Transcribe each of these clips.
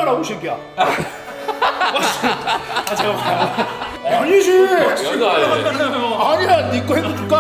가라고 이 새끼야. 아 잠깐만. 아니지. 여자 아니야, 네 거 해줄까?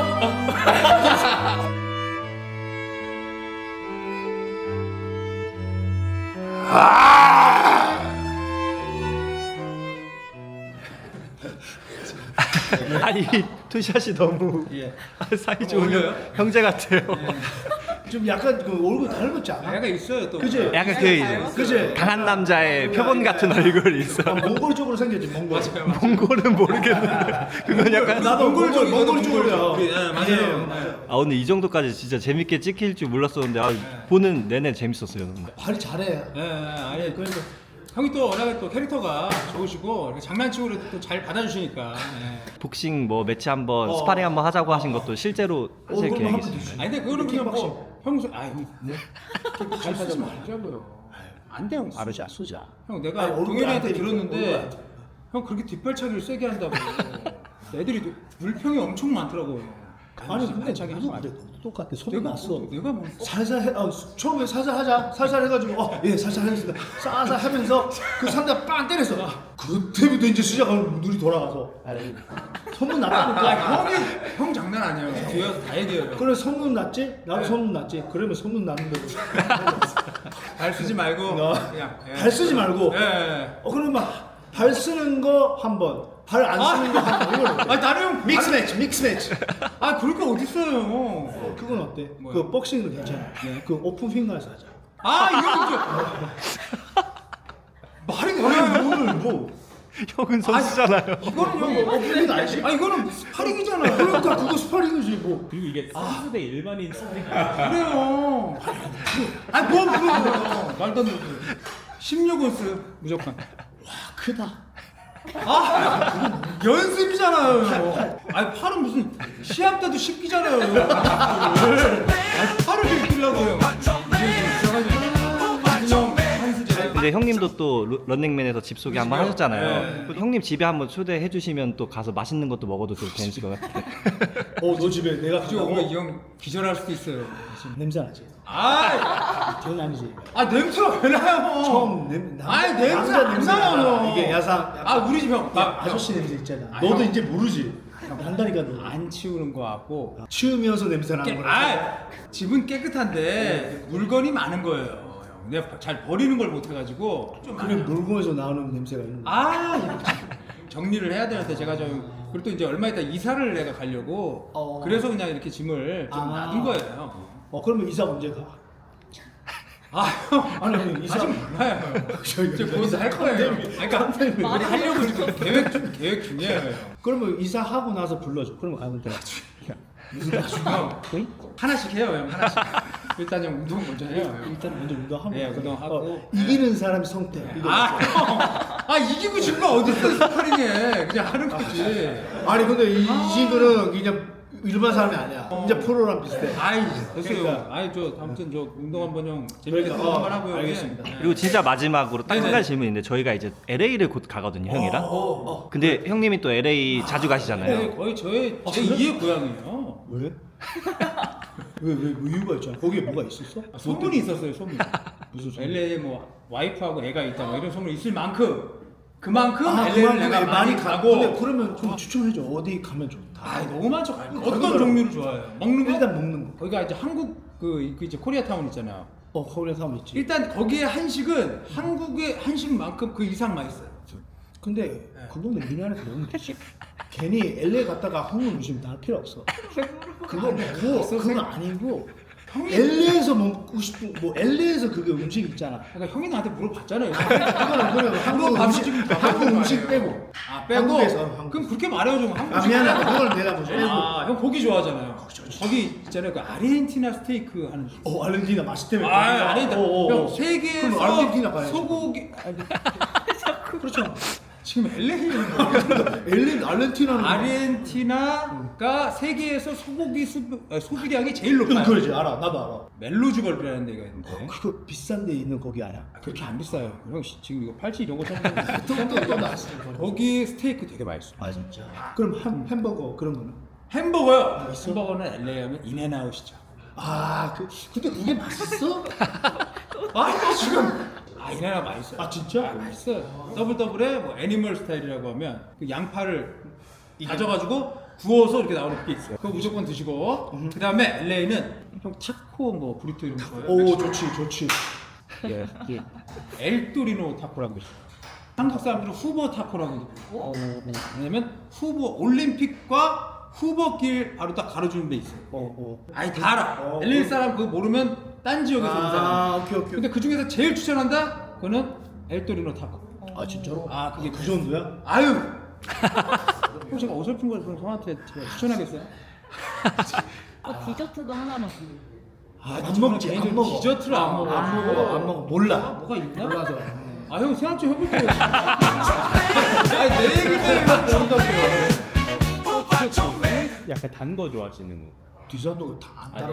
아니 투샷이 너무 사이 좋은 형제 같아요. 좀 약간 그 얼굴 닮았지 않아? 약간 있어요 또. 그지? 약간 그 그지? 강한 남자의 표본 같은 얼굴이 있어. 몽골 쪽으로 생겼지, 몽골. 몽골은 모르겠는데 그건 약간 나도 몽골 몽골 쪽으로요. 네, 맞아요. 맞아요. 아 근데 이 정도까지 진짜 재밌게 찍힐 줄 몰랐었는데 보는 내내 재밌었어요. 근데. 발이 잘해. 아니 그러니까 형이 또 워낙에 또 캐릭터가 좋으시고 이렇게 장난치고 그래도 또 잘 받아주시니까. 복싱 뭐 매치 한번 스파링 한번 하자고 하신 것도 실제로 하실 그럼 계획이 한번 있습니다. 되지. 아니 근데 그거는 그냥 킥박싱. 뭐 평소 잘 쓰지 말자고요. 안 돼요. 알으자, 쓰자. 형 내가 아니, 얼굴 동현이한테 안 때리고, 얼굴 들었는데 안 때리고. 형 그렇게 뒷발차기를 세게 한다고. 애들이 물평이 엄청 많더라고요. 아니 근데 자기 나도 근데 똑같아. 소리 났어. 내가 뭐 살살 해, 처음에 살살 하자. 살살 해가지고 예 살살 하겠습니다. 살살 하면서 그 상대 빵 때렸어. 그때부터 이제 시작하면 눈이 돌아가서 소문 났다니까. 형 장난 아니에요. 뒤에서 다 얘기해요. 그래 소문 났지? 나도 소문 났지. 그러면 소문 났는데 발 쓰지 말고 그냥 발 쓰지 말고. 예. 그러면 발 쓰는 거 한 번, 발 안 쓰는 거 한 번. 이걸 아 다른 형 믹스 매치, 믹스 매치. 아 그럴 거 어딨어요. 그건 어때? 뭐야? 그 복싱은 괜찮아. 그 오픈 핑거에서 하자. 아 이거 말이 아니 뭐야? 오늘 뭐 형은 선수잖아요. 이거는 형 오픈 핑거 알지? 아 이거는 스파링이잖아. 그러니까 그거 스파링이지 뭐. 그리고 이게 선수 대 일반인 스파링 그래요. 아니 뭐 그래요. 말도 안 되고. 16온스 무조건. 크다. 연습이잖아요. 아니 팔은 무슨 시합 때도 씹기잖아요. 아니 팔을 씹기려고요. 근데 형님도 또 런닝맨에서 집 소개 한번 하셨잖아요. 형님 집에 한번 초대해 주시면 또 가서 맛있는 것도 먹어도 좀 괜찮을 것 같아요. 너 집에 내가 지금 오면 이 형 기절할 수도 있어요. 냄새 나지? 아, 그건 아니지. 냄새가 왜 나요? 처음 냄새 남자 안 냄새가 나요. 나. 이게 야상. 우리 집 형. 아저씨 냄새 있잖아. 아, 너도 형. 이제 모르지. 난다니까 너. 안 치우는 거 같고. 치우면서 냄새 나는 거라. 집은 깨끗한데 물건이 많은 거예요. 형. 내가 잘 버리는 걸 못 해가지고. 좀 그래 물건에서 나오는 냄새가 있는 거야. 이거 정리를 해야 되는데 제가 좀 그리고 또 이제 얼마 있다 이사를 내가 가려고 그래서 그냥 이렇게 짐을 좀 놔둔 거예요. 그러면 이사 언제 가? 형 아니 이사 아직 몰라요. 이제 곧 할 거예요. 그러니까 우리 하려고 지금 계획 중이에요. 그러면 이사하고 나서 불러줘. 그러면 가면 돼. 무슨 형 하나씩 해요, 형 하나씩. 일단 형 운동 먼저 해요. 형. 일단 먼저 운동하고. 네, 운동하고. 이기는 사람이 성태. 이거. 이기고 진 거 어딨어 스파링에 그냥 하는 거지. 아니 근데 이 친구는 그냥 일반 사람이 아니야. 이제 프로랑 비슷해. 됐어요. 그러니까. 저 아무튼 저 운동 한번 형 재밌게 그러니까, 운동 한번 하고요. 알겠습니다. 네. 그리고 진짜 마지막으로 딱 한 네네. 가지 질문인데 저희가 이제 LA를 곧 가거든요, 형이랑. 근데 형님이 또 LA 자주 가시잖아요. 네, 거의 제 2의 고향이에요. 왜? 왜 이유가 있잖아. 거기에 뭐가 있었어? 소문이 있었어요, 소문. 무슨 소문? LA에 뭐 와이프하고 애가 있다 뭐 이런 소문이 있을 만큼 그만큼 그만큼 LA를 내가 많이 가고. 근데 그러면 좀 추천해줘. 어디 가면 좋다. 너무 많죠. 어떤 거기가- 종류를 좋아해요? 먹는 거? 일단 먹는 거. 거기가 이제 한국 그 이제 코리아타운 있잖아요. 거기에 사람 있지. 일단 거기에 한식은 한국의 한식만큼 그 이상 맛있어요. 근데 그거는 미안해서 먹는 거지. 괜히 LA 갔다가 한국 음식 다 할 필요 없어. 그거 먹고 그건 아니고 LA에서 먹고 싶은 뭐 LA에서 그게 음식 있잖아. 그러니까 형이 나한테 물어봤잖아요. 그거는 그냥 한국 음식 빼고. 빼고. 한국에서 한국. 그럼 그렇게 말해요 좀. 한국 미안해. 그걸 내가 뭐 빼고. 형 고기 좋아하잖아요. 거기 있잖아요. 그 아르헨티나 스테이크 하는. 아르헨티나 맛있다며. 아르헨티나. 형 세계에서 그럼 아르헨티나 가야지. 소고기. 그렇죠. 지금 LA에 LA 아르헨티나는 아르헨티나가 세계에서 소고기 소비량이 제일 높아요. 그러지 알아. 나도 알아. 멜로주걸이라는 데가 있는데. 그거 비싼 데 있는 거기 아니야? 그렇게 안 비싸요. 형 지금 이거 팔찌 이런 거 사는 또 나왔어. 거기 스테이크 되게 맛있어. 아 진짜. 그럼 햄버거 그런 거는? 햄버거요. 햄버거는 LA 하면 인앤아웃이죠. 근데 그게 맛있어? 지금 이 나라 맛있어요. 아 진짜? 맛있어요. 더블에 뭐 애니멀 스타일이라고 하면 그 양파를 다져가지고 구워서 이렇게 나오는 게 있어요. 그거 무조건 드시고 그 다음에 LA는 형 타코 뭐 브리토 이런 거 좋아해요? 오 좋지. 예. 엘토리노 타코라는 거 있어요. 한국 사람들은 후보 타코라고 그러고 왜냐면 후보 올림픽과 후보길 바로 딱 가로주는 데 있어요. 아니 다 알아. LA 사람 그거 모르면 딴 지역에서 온 사람. 오케이. 근데 그 중에서 제일 추천한다? 그거는 엘토리노 타코. 아 진짜로? 아 그게 그 정도야? 아유. 그럼 제가 어설픈 걸 그럼 형한테 제가 추천하겠어요? 디저트도 하나만. 안 먹지. 안 먹어. 디저트를 안 먹어. 안 먹어. 몰라. 뭐가 있나? 몰라서. 아 형 생각 좀 해볼게요. 아니 내 얘기 때문에 모른다고요. 약간 단 거 좋아하시는 거. 디저트 다안 따라.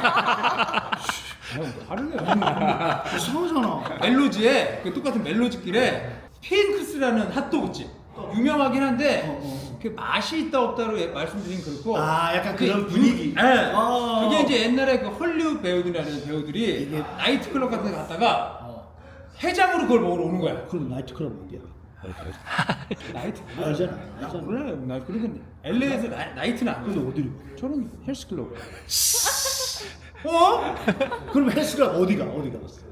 형 다르네. 이상하잖아. 멜로지에 그 똑같은 멜로지 길에 핑크스라는 핫도그집 유명하긴 한데 그 맛이 있다 없다로 말씀드린 그렇고 약간 그게 그런 분위기. 네. 그게 이제 옛날에 그 헐리우드 배우들이라는 배우들이 나이트클럽 같은 데 갔다가 해장으로 그걸 먹으러 오는 거야. 그럼 나이트클럽 어디야? 나이트 알잖아. 몰라요. 나 그러면 LA에서 나이트는 안 근데 가요. 어디로? 저는 헬스클럽. 그럼 헬스클럽 어디가? 갔어?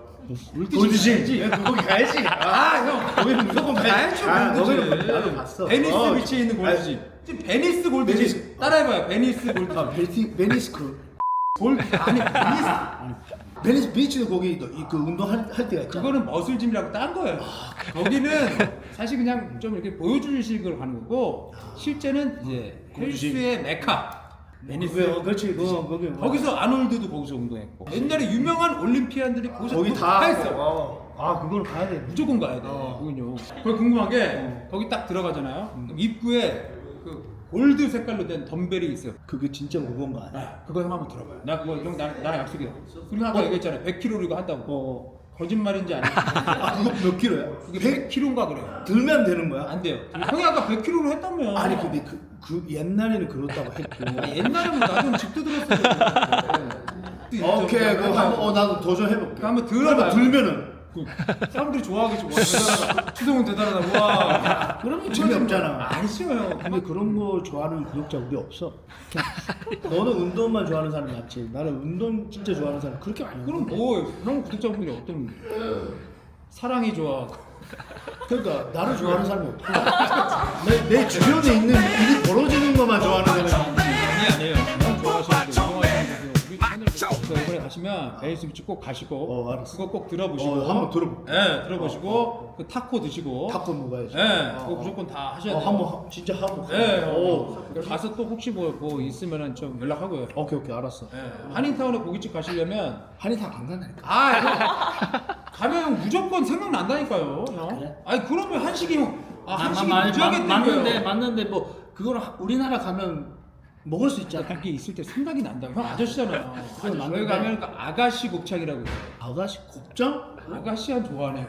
골드지. 거기 가야지. 형 거기는 무조건 가야죠. 거기는 나도 갔어. 베니스 비치에 있는 골드집. 지금 베니스 골드집. 베니스. 따라해봐요. 베니스 골드집. 베니스 클럽. 골드 아니 베니스. 베니스 비치도 거기 그 운동할 때가 있잖아. 그거는 머슬짐이라고 딴 거예요. 거기는 사실 그냥 좀 이렇게 보여주식으로 가는 거고 실제는 이제 헬스의 메카. 베니스. 그렇지. 거기 거기서 아놀드도 거기서 운동했고 옛날에 유명한 올림피안들이 거기서 거기 다 다 했어. 그걸 가야 돼. 무조건 가야 돼. 그군요. 그걸 궁금한 게 거기 딱 들어가잖아요. 그럼 입구에 그 골드 색깔로 된 덤벨이 있어요. 그게 진짜 무거운 거 아니야? 그거 형 한번 들어봐요. 나 그거 형 나랑 약속이야. 그리고 아까 얘기했잖아요. 100kg 이거 한다고. 거짓말인지 아닌지. 그거 몇 킬로야? 그게 100kg인가 그래요. 들면 되는 거야? 안 돼요. 형이 아까 100kg로 했다며. 아니 근데 그 옛날에는 그렇다고 했고. 옛날에는 나도 집도 들었어요. 오케이, 그거 한번 나도 도전해볼게. 한번 들어봐요. 들면은 사람들이 좋아하겠지. 와, 대단하다. 추성훈 대단하다. 와. 그러면 재미없잖아. 아니죠 형. 근데 그런 거 좋아하는 구독자 우리 없어. 너는 운동만 좋아하는 사람 맞지? 나는 운동 진짜 좋아하는 사람 그렇게 많이. 그럼 뭐 형 구독자분들이 어떤 사랑이 좋아. 그러니까 나를 좋아하는 사람이 없고 내 주변에 있는 일이 벌어지는 것만 좋아하는 사람이 있지. 아니에요. 형 좋아하시는데 운동하시는 우리 채널 이번에 가시면 베이스 비치 꼭 가시고 알았어. 그거 꼭 들어보시고 한번 들어볼게. 네, 들어보시고 그 타코 드시고 타코 먹어야지. 네, 그거 무조건 다 하셔야 돼요. 한번 진짜 하고. 네, 오. 가서 또 혹시 뭐 있으면은 좀 연락하고요. 오케이 알았어. 네, 한인타운에 고깃집 가시려면 한의사 안 간다니까. 가면 형 무조건 생각난다니까요. 형. 그래? 아니 그러면 한식이 형 한식이 무지하게 땡겨요. 맞는데 뭐 그거는 우리나라 가면 먹을 수 있잖아. 그게 있을 때 생각이 난다고. 형 아저씨잖아요. 그건 저희 맞는데. 가면 그 아가씨 곱창이라고 있어요. 아가씨 곱창? 아가씨 한 좋아하네.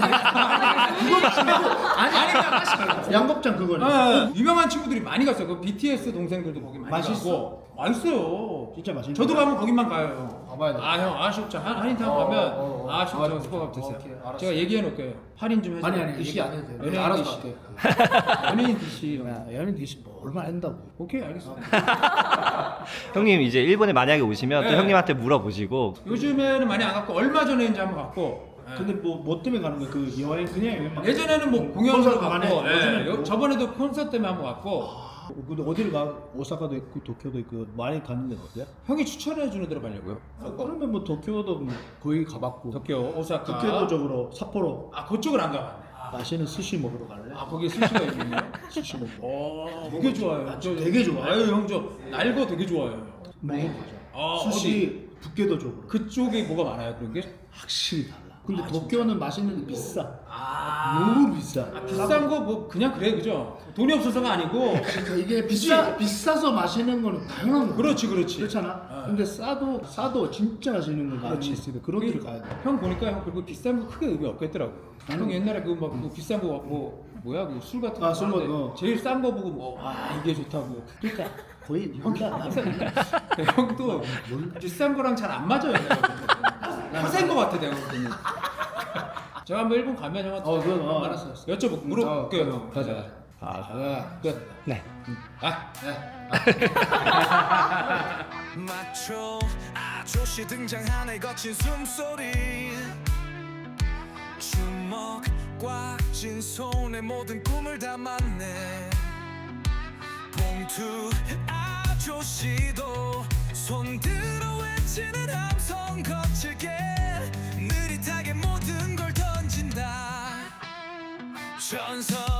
아니 양곱창 그거네. 유명한 친구들이 많이 갔어요. 그 BTS 동생들도 거기 많이 맛있어? 가고. 맛있어요. 진짜 맛있는 저도 거야? 가면 거기만 가요. 가봐야 돼. 형 아가씨 곱창 한인타운 가면 아가씨 곱창 스포가 드세요. 오케이, 알았어. 제가 얘기해 놓을게요. 할인 좀 해서. 아니 디시 안 해도 돼. 연예인 알아서 디시. 갈게. 연예인 DC. 야, 연예인 디시 뭐 얼마 한다고. 오케이 알겠습니다. 형님 이제 일본에 만약에 오시면 또 네. 형님한테 물어보시고 요즘에는 많이 안 갔고 얼마 전에 이제 한번 갔고. 근데 뭐 때문에 가는 거야? 그 여행 그냥 여행만. 예전에는 뭐 공연도 콘서트 갔고, 가네. 요즘엔 뭐? 저번에도 콘서트 때문에 한번 갔고. 근데 어디를 가? 오사카도 있고 도쿄도 있고 많이 가는 데가 어디야? 형이 추천해 주는 데로 가려고요. 그러면 뭐 도쿄도 뭐 거의 가봤고. 도쿄, 오사카. 도쿄도 쪽으로 삿포로 그쪽을 안 가봤네. 맛있는 스시 먹으러 갈래? 거기 스시가 있네요. 스시 먹고. 되게 좋아요. 저 되게 좋아요. 아유 형 저 날거 되게 좋아요. 먹어보자. 스시 북계도 쪽으로. 그쪽에 뭐가 많아요 그런 게? 확실히 달라. 근데 도쿄는 맛있는데 비싸. 아, 너무 비싸. 비싼 거 뭐 그냥 그래 그죠? 돈이 없어서가 아니고. 그러니까 이게 비싸서 마시는 거는 당연한 거야. 그렇지. 그렇잖아. 근데 싸도 진짜 맛있는 거 많이 있으니까 그런 데를 가야 돼. 형 보니까 형 그리고 비싼 거 크게 의미 없겠더라고. 형 옛날에 그 막 비싼 거 뭐야 그 술 같은 거 술 거, 하는데 제일 싼 거 보고 이게 좋다고. 그러니까 거의 몰라. 형도 비싼 거랑 잘 안 맞아요. 내가 볼 때는. 허세인 거 같아 내가 볼 때는. 제가 한번 일본 가면 형한테 그건 알았어. 여쭤볼게요. 물어볼게요. 가자. 끝. 네. 마초 아저씨 등장하네 거친 숨소리 주먹 꽉 쥔 손에 모든 꿈을 담았네 봉투 아저씨도 손들어 외치는 함성 거칠게 느릿하게 모든 걸 던진다 전설